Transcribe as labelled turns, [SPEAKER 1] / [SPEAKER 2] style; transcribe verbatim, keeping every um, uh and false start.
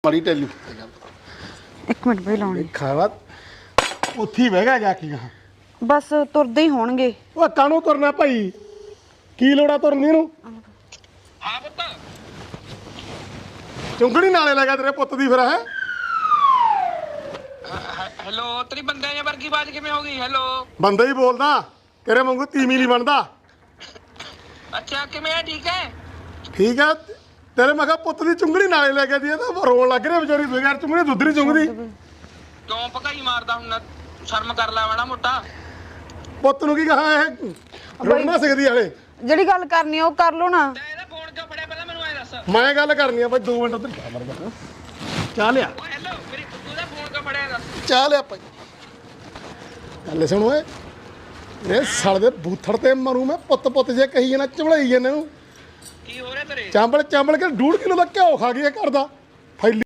[SPEAKER 1] ਪੜੀ ਟੈਲੂ
[SPEAKER 2] ਇੱਕ ਮਿੰਟ ਬਈ ਲਾਉਣੀ
[SPEAKER 1] ਖਾਵਾ ਉੱਥੇ ਹੀ ਬਹਿ ਗਿਆ ਜਾ ਕੇ ਗਾ
[SPEAKER 2] ਬਸ ਤੁਰਦੇ ਹੀ ਹੋਣਗੇ।
[SPEAKER 1] ਉਹ ਕਾਹਨੂੰ ਤੁਰਨਾ ਭਾਈ ਕੀ ਲੋੜਾ ਤੁਰਨੀ ਨੂੰ
[SPEAKER 3] ਹਾਂ ਪੁੱਤ
[SPEAKER 1] ਚੁੰਗੜੀ ਨਾਲੇ ਲੱਗਾ ਤੇਰੇ ਪੁੱਤ ਦੀ ਫਿਰ ਹੈ
[SPEAKER 3] ਹੈਲੋ ਤੇਰੀ ਬੰਦਿਆਂ ਜਾਂ ਵਰਗੀ ਬਾਜ ਕਿਵੇਂ ਹੋ ਗਈ ਹੈਲੋ
[SPEAKER 1] ਬੰਦਾ ਹੀ ਬੋਲਦਾ ਤੇਰੇ ਵਾਂਗੂ ਤੀਵੀਂ ਨਹੀਂ ਬਣਦਾ
[SPEAKER 3] ਅੱਛਾ ਕਿਵੇਂ ਆ ਠੀਕ ਹੈ
[SPEAKER 1] ਠੀਕ ਹੈ ਤੇਰੇ ਮੈਂ ਕਿਹਾ ਪੁੱਤ ਦੀ ਚੁੰਗੜੀ ਨਾਲੇ ਲੈ ਕੇ ਦੀ ਤਾਂ ਰੋਣ ਲੱਗ ਰਿਹਾ ਵਿਚਾਰੀ ਬਗੈਰ ਚੁੰਗੜੀ ਦੁੱਧ ਨਹੀਂ ਚੁੰਗਦੀ
[SPEAKER 3] ਕਿਉਂ ਭਕਾਈ ਮਾਰਦਾ ਹੁਣ ਸ਼ਰਮ ਕਰ ਲੈ ਮਾੜਾ ਮੋਟਾ
[SPEAKER 1] ਪੁੱਤ ਨੂੰ ਕੀ ਕਹਾ ਇਹ ਰੋਣ ਨਾ ਸਕਦੀ ਹਲੇ
[SPEAKER 2] ਜਿਹੜੀ ਗੱਲ ਕਰਨੀ ਆ ਉਹ ਕਰ ਲਓ ਨਾ।
[SPEAKER 3] ਤੇ ਇਹਦਾ ਫੋਨ ਕਿਉਂ ਫੜਿਆ ਪਹਿਲਾਂ ਮੈਨੂੰ ਐ ਦੱਸ
[SPEAKER 1] ਮੈਂ ਗੱਲ ਕਰਨੀ ਆ ਬਾਈ ਦੋ ਮਿੰਟ ਉੱਧਰ ਜਾ ਮਰ ਜਾ ਚਾਹ ਲਿਆ
[SPEAKER 3] ਓ ਹੈਲੋ ਮੇਰੀ ਤੂੰ ਦਾ ਫੋਨ ਕਿਉਂ ਫੜਿਆ ਦੱਸ
[SPEAKER 1] ਚਾਹ ਲਿਆ ਭਾਈ ਗੱਲ ਸੁਣ ਓਏ ਇਹ ਸਾਲ ਦੇ ਬੂਥੜ ਤੇ ਮਰੂ ਮੈਂ ਪੁੱਤ ਪੁੱਤ ਜੇ ਕਹੀ ਜਾਣਾ ਚਮੜਾਈ ਜਾਂਦੇ ਨੂੰ
[SPEAKER 3] ਕੀ ਹੋ ਰਿਹਾ ਤੇਰੇ
[SPEAKER 1] ਚਾਂਬਲ ਚਾਂਬਲ ਕੇ ਡੂਢ ਕਿਲੋ ਦਾ ਘਿਓ ਖਾ ਗਿਆ ਘਰ ਦਾ